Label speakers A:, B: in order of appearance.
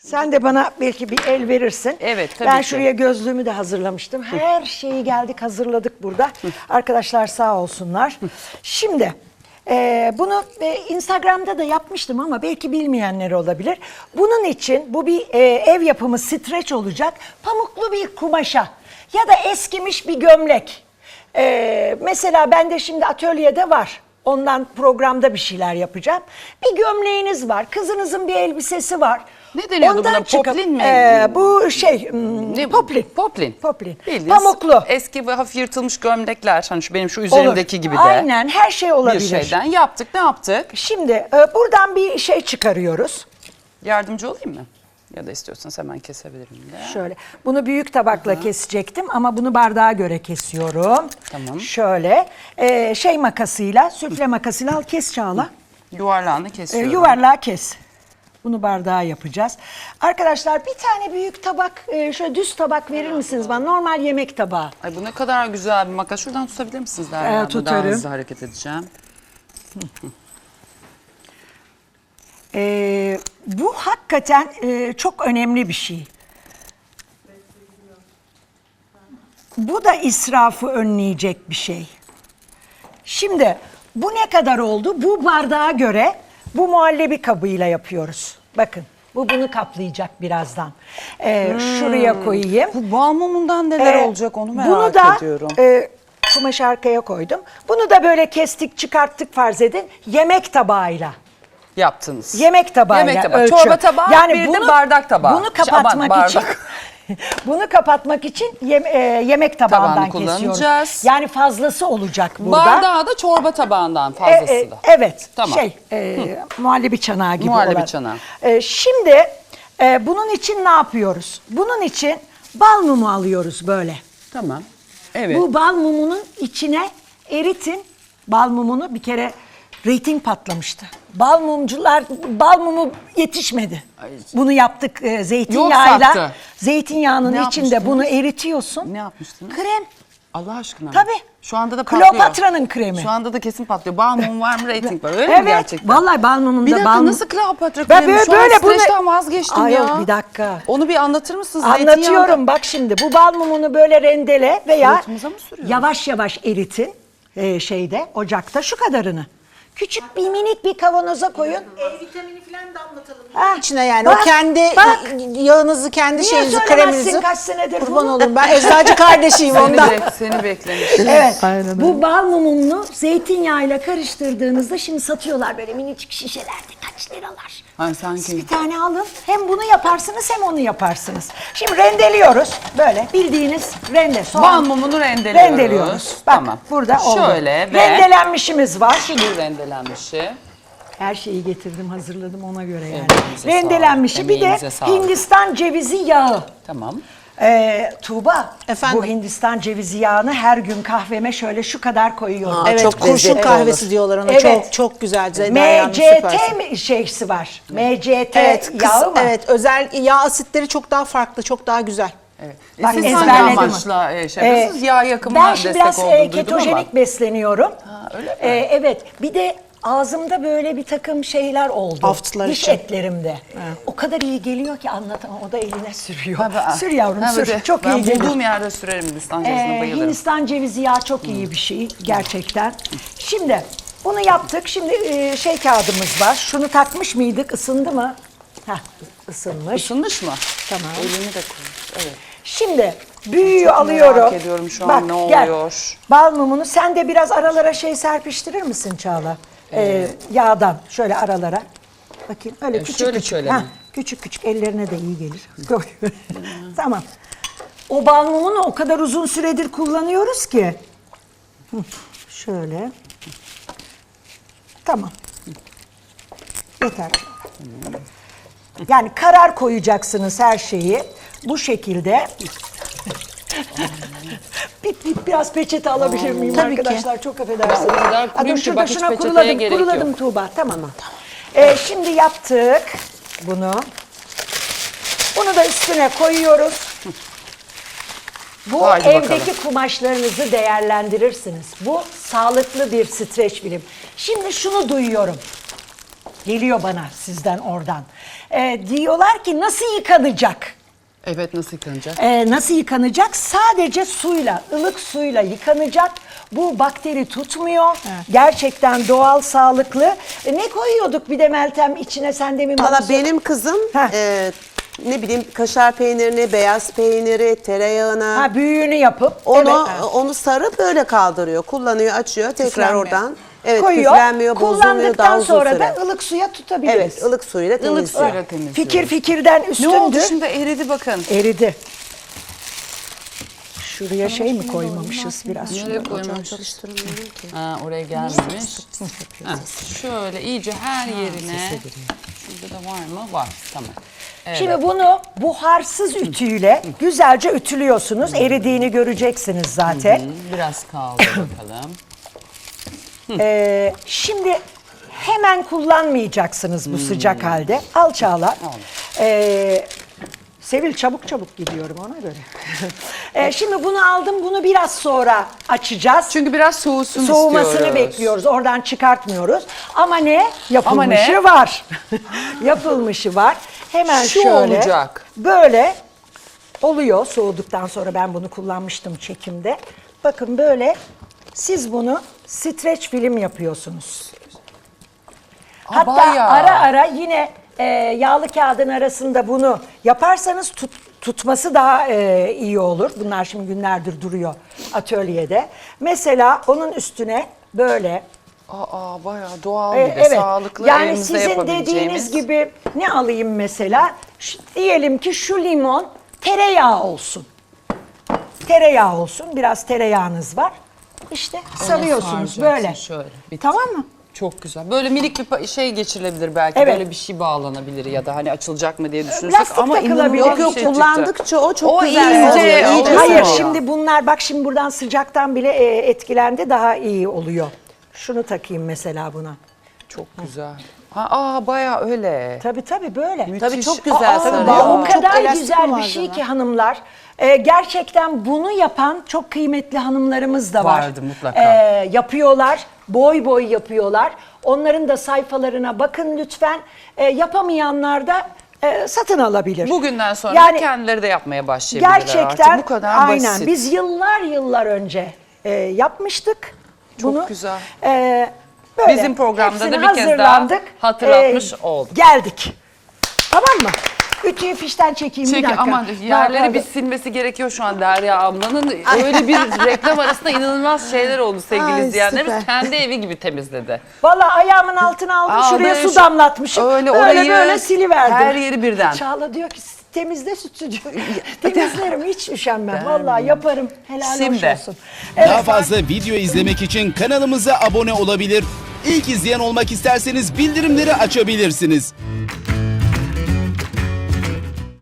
A: Sen de bana belki bir el verirsin.
B: Evet, tabii
A: Ben
B: ki.
A: şuraya gözlüğümü de hazırlamıştım. Her şeyi geldik hazırladık burada. Arkadaşlar sağ olsunlar. Şimdi bunu Instagram'da da yapmıştım ama belki bilmeyenler olabilir. Bunun için bu bir ev yapımı streç olacak. Pamuklu bir kumaşa ya da eskimiş bir gömlek. Mesela bende şimdi atölyede var. Ondan programda bir şeyler yapacağım. Bir gömleğiniz var. Kızınızın bir elbisesi var.
B: Ne deniyordu
A: Ondan
B: buna?
A: çıkıp,
B: Poplin mi?
A: Bu şey poplin.
B: Poplin.
A: Poplin.
B: Bildiğiniz
A: Pamuklu.
B: eski ve hafif yırtılmış gömlekler. Hani benim şu üzerimdeki
A: Olur.
B: gibi de.
A: Aynen her şey
B: Bir
A: olabilir.
B: şeyden yaptık. Ne yaptık?
A: Şimdi buradan bir şey çıkarıyoruz.
B: Yardımcı olayım mı? Ya da istiyorsanız hemen kesebilirim de.
A: Şöyle. Bunu büyük tabakla kesecektim ama bunu bardağa göre kesiyorum.
B: Tamam.
A: Şöyle şey makasıyla, süfle makasıyla al kes Çağla.
B: Yuvarlağını kesiyorum.
A: Yuvarlağı kes. Bunu bardağa yapacağız. Arkadaşlar bir tane büyük tabak, şöyle düz tabak verir misiniz bana? Normal yemek tabağı.
B: Ay bu ne kadar güzel bir makas. Şuradan tutabilir misiniz Derya? Daha
A: tutarım.
B: hızlı hareket edeceğim.
A: Bu hakikaten çok önemli bir şey. Bu da israfı önleyecek bir şey. Şimdi bu ne kadar oldu? Bu bardağa göre bu muhallebi kabıyla yapıyoruz. Bakın bu bunu kaplayacak birazdan. Şuraya koyayım.
B: Bu bal mumundan neler olacak onu merak
A: bunu da,
B: ediyorum.
A: kumaşı arkaya koydum. Bunu da böyle kestik çıkarttık farz edin. Yemek tabağıyla.
B: Yaptınız.
A: Yemek tabağıyla
B: Yemek tabağı.
A: ölçü.
B: Çorba tabağı, bir de bardak tabağı.
A: Bunu kapatmak
B: Aman,
A: için
B: bardak.
A: bunu kapatmak için yemek tabağından
B: Tabağını
A: kesiyoruz.
B: kullanacağız.
A: Yani fazlası olacak burada.
B: Bardağı da çorba tabağından fazlası da.
A: Evet.
B: Tamam.
A: Muhallebi çanağı gibi
B: Muhallebi
A: olan.
B: çanağı.
A: Şimdi bunun için ne yapıyoruz? Bunun için bal mumu alıyoruz böyle.
B: Tamam. Evet.
A: Bu bal mumunun içine eritin. Bal mumunu bir kere reyting patlamıştı. Bal mumcular, bal mumu yetişmedi.
B: Ay.
A: Bunu yaptık
B: Yok
A: zeytinyağıyla.
B: sattı.
A: Zeytinyağının
B: Ne
A: içinde
B: yapmıştınız?
A: bunu eritiyorsun.
B: Ne yapmıştınız?
A: Krem.
B: Allah aşkına.
A: Tabii.
B: Şu anda da patlıyor.
A: Kleopatra'nın kremi.
B: Şu anda da kesin patlıyor. Bal mum var mı, reyting var. Öyle mi
A: Evet.
B: gerçekten?
A: Vallahi bal mumunda
B: Bir dakika
A: bal
B: nasıl Kleopatra
A: Ben
B: kremi? Şu
A: böyle
B: an
A: bunu-
B: streçten vazgeçtim
A: Ay
B: ya.
A: yok, bir dakika.
B: Onu bir anlatır mısınız?
A: Anlatıyorum bak şimdi. Bu bal mumunu böyle rendele veya
B: Suratımıza mı sürüyoruz?
A: yavaş yavaş eritin şeyde ocakta şu kadarını. Küçük bir minik bir kavanoza koyun.
C: Vitamini falan da anlatalım.
A: Ha,
C: İçine yani
A: bak,
C: o kendi
A: bak.
C: yağınızı, kendi
A: Niye
C: şeyinizi,
A: söylemezsin
C: kreminizi.
A: kaç senedir
C: Kurban
A: bunu?
C: olurum. Ben eczacı kardeşiyim ondan.
B: Seni beklemiş.
A: Evet. Bu bal mumunu zeytinyağıyla karıştırdığınızda şimdi satıyorlar böyle minicik şişelerde kaç liralar.
B: Ay
A: Siz
B: sanki.
A: bir tane alın. Hem bunu yaparsınız hem onu yaparsınız. Şimdi rendeliyoruz. Böyle bildiğiniz rende. Soğan.
B: Bal mumunu rendeliyoruz.
A: Rendeliyoruz. Bak
B: Tamam.
A: burada oldu.
B: Şöyle ve
A: Rendelenmişimiz var.
B: şu rendelenmişi.
A: Her şeyi getirdim, hazırladım ona göre yani.
B: Elinize
A: Rendelenmişi
B: sağlık,
A: bir de
B: emeğinize sağlık.
A: Hindistan cevizi yağı.
B: Tamam.
A: Tuğba,
C: Efendim?
A: bu Hindistan cevizi yağını her gün kahveme şöyle şu kadar koyuyorum.
C: Evet,
D: çok
C: kurşun
D: lezzetli
C: kahvesi
D: olur.
C: diyorlar ona.
A: Evet.
C: Çok çok güzel. Derya Hanım, süpersin.
A: MCT şeysi var. MCT
C: Evet,
A: yağı mı?
C: evet, özel yağ asitleri çok daha farklı, çok daha güzel.
B: Evet.
A: Bak,
B: Siz
A: ezberledim.
B: hangi amaçla şey yapıyorsunuz? Yağ yakımına
A: Ben şimdi
B: destek
A: biraz
B: olduğunu duydum
A: ketojenik
B: ama.
A: besleniyorum.
B: öyle mi?
A: Evet. Bir de ağzımda böyle bir takım şeyler oldu.
C: Haftılar
A: Diş
C: için.
A: etlerimde. O kadar iyi geliyor ki anlatamam. O da eline sürüyor.
B: Tabii.
A: Sür yavrum
B: Ha,
A: sür.
B: bir de
A: Çok
B: ben
A: iyi geliyor.
B: bulduğum yerde sürerim Hindistan cevizine bayılırım.
A: Hindistan cevizi yağı çok iyi bir şey gerçekten. Şimdi bunu yaptık. Şimdi şey kağıdımız var. Şunu takmış mıydık? Isındı mı? Heh, ısınmış.
B: Isınmış mı?
A: Tamam.
B: Elini de koymuş. Evet.
A: Şimdi büyüğü
B: Çok
A: alıyorum.
B: merak ediyorum şu an ne
A: gel.
B: oluyor?
A: Bal mumunu sen de biraz aralara şey serpiştirir misin Çağla? Yağdan şöyle aralara. Bakayım öyle küçük
B: şöyle
A: küçük.
B: şöyle
A: Ha,
B: mi?
A: küçük küçük ellerine de iyi gelir. Tamam. O bal mumunu o kadar uzun süredir kullanıyoruz ki. Şöyle. Tamam. Yeter. Yani karar koyacaksınız her şeyi. Bu şekilde. Biraz peçete alabilir miyim
C: Tabii ki.
A: arkadaşlar? Çok affedersiniz.
B: O kadar
A: Dur
B: kuruyum ki
A: şurada
B: bak hiç
A: şuna
B: peçeteye
A: kuruladım,
B: gerek
A: kuruladım
B: yok.
A: Tuğba. Tamam. Şimdi yaptık bunu. Bunu da üstüne koyuyoruz. Bu
B: Haydi
A: evdeki
B: bakalım.
A: kumaşlarınızı değerlendirirsiniz. Bu sağlıklı bir streç film. Şimdi şunu duyuyorum. geliyor bana sizden oradan. Diyorlar ki nasıl yıkanacak?
B: Evet, nasıl yıkanacak?
A: Nasıl yıkanacak? Sadece suyla, ılık suyla yıkanacak. Bu bakteri tutmuyor. Gerçekten doğal, sağlıklı. Ne koyuyorduk bir de Meltem içine, sen demin bana
D: Valla
A: sor-
D: benim kızım ne bileyim kaşar peynirini, beyaz peyniri, tereyağına
A: Ha, büyüğünü yapıp
D: onu sarıp öyle kaldırıyor. Kullanıyor, açıyor, tekrar
A: Küflenmiyor.
D: oradan. Evet,
A: koyuyor.
D: küflenmiyor, bozulmuyor, daha
A: Kullandıktan
D: uzun
A: sonra
D: süre.
A: da ılık suya tutabiliriz.
D: Evet, ılık suyla temizliyor.
B: suyla temizliyor.
A: Fikir fikirden
B: Ne
A: üstündür.
B: oldu şimdi, eridi bakın.
A: Eridi. Şuraya şey mi koymamışız biraz?
B: Nereye koymamışız?
D: Çalıştırmıyorum ki.
B: Ha, oraya gelmemiş. Ha, şöyle iyice her yerine. Şurada da var mı? Var. Tamam. Evet.
A: Şimdi bunu buharsız ütüyle güzelce ütülüyorsunuz. Eridiğini göreceksiniz zaten.
B: Biraz kaldı bakalım.
A: Şimdi hemen kullanmayacaksınız bu sıcak halde. Al Çağla. Sevil çabuk çabuk gidiyorum ona göre. Şimdi bunu aldım, bunu biraz sonra açacağız.
B: Çünkü biraz soğusun
A: Soğumasını
B: istiyoruz.
A: bekliyoruz. Oradan çıkartmıyoruz. Ama ne? Yapılmışı
B: ne?
A: var. Yapılmışı var. Hemen
B: Şu
A: şöyle.
B: olacak.
A: Böyle oluyor. Soğuduktan sonra ben bunu kullanmıştım çekimde. Bakın böyle siz bunu streç film yapıyorsunuz. Hatta
B: bayağı.
A: ara ara yine yağlı kağıdın arasında bunu yaparsanız tutması daha iyi olur. Bunlar şimdi günlerdir duruyor atölyede. Mesela onun üstüne böyle
B: Bayağı doğal bir de
A: evet.
B: sağlıklı
A: Yani
B: elimizde
A: sizin
B: yapabileceğimiz.
A: dediğiniz gibi ne alayım mesela? Diyelim ki şu limon tereyağı olsun. Tereyağı olsun. Biraz tereyağınız var. İşte sarıyorsunuz
B: saracaksın
A: böyle.
B: şöyle, bitti.
A: Tamam mı?
B: Çok güzel. Böyle minik bir şey geçirilebilir belki.
A: Evet.
B: Böyle bir şey bağlanabilir ya da hani açılacak mı diye düşünürsek.
A: Lastik
B: Ama
A: takılabilir.
B: inanılmaz
D: Yok
B: bir
D: yok,
B: şey çıktı.
D: kullandıkça o çok
B: O
D: güzel
B: iyice
D: oluyor.
B: oluyor.
A: Hayır
B: Olsun.
A: şimdi bunlar bak şimdi buradan sıcaktan bile etkilendi, daha iyi oluyor. Şunu takayım mesela buna.
B: Çok güzel. Bayağı öyle.
A: Tabii böyle.
D: Tabii çok güzel sarıyor.
A: O
C: Çok
A: kadar
C: elastik
A: güzel bir
C: malzeme.
A: şey ki hanımlar. Gerçekten bunu yapan çok kıymetli hanımlarımız da var.
B: Vardı mutlaka.
A: Yapıyorlar, boy boy yapıyorlar. Onların da sayfalarına bakın lütfen. Yapamayanlar da satın alabilir.
B: Bugünden sonra
A: Yani
B: kendileri de yapmaya başlayabilirler
A: gerçekten
B: artık. Bu kadar
A: aynen.
B: basit.
A: Biz yıllar önce yapmıştık.
B: Çok
A: bunu.
B: güzel.
A: Böyle
B: Bizim programda da
A: hepsini
B: bir kez daha
A: hazırlandık.
B: hatırlatmış olduk.
A: Geldik. Tamam mı? Ütüyü fişten çekeyim bir
B: Çünkü
A: dakika.
B: ama yerleri bir silmesi gerekiyor şu an Derya ablanın. Öyle bir reklam arasında inanılmaz şeyler oldu sevgili
D: Ay,
B: izleyenlerimiz.
D: süper.
B: Kendi evi gibi temizledi.
A: Vallahi ayağımın altına aldım, şuraya
B: böyle
A: su damlatmışım.
B: öyle
A: böyle
B: orayı,
A: böyle siliverdim.
B: her yeri birden.
A: Çağla diyor ki temizle stüdyo. Temizlerim, hiç üşenmem. Vallahi yaparım. Helal
B: Şimdi.
A: hoş olsun. Evet,
E: Daha fazla video izlemek için kanalımıza abone olabilir. İlk izleyen olmak isterseniz bildirimleri açabilirsiniz.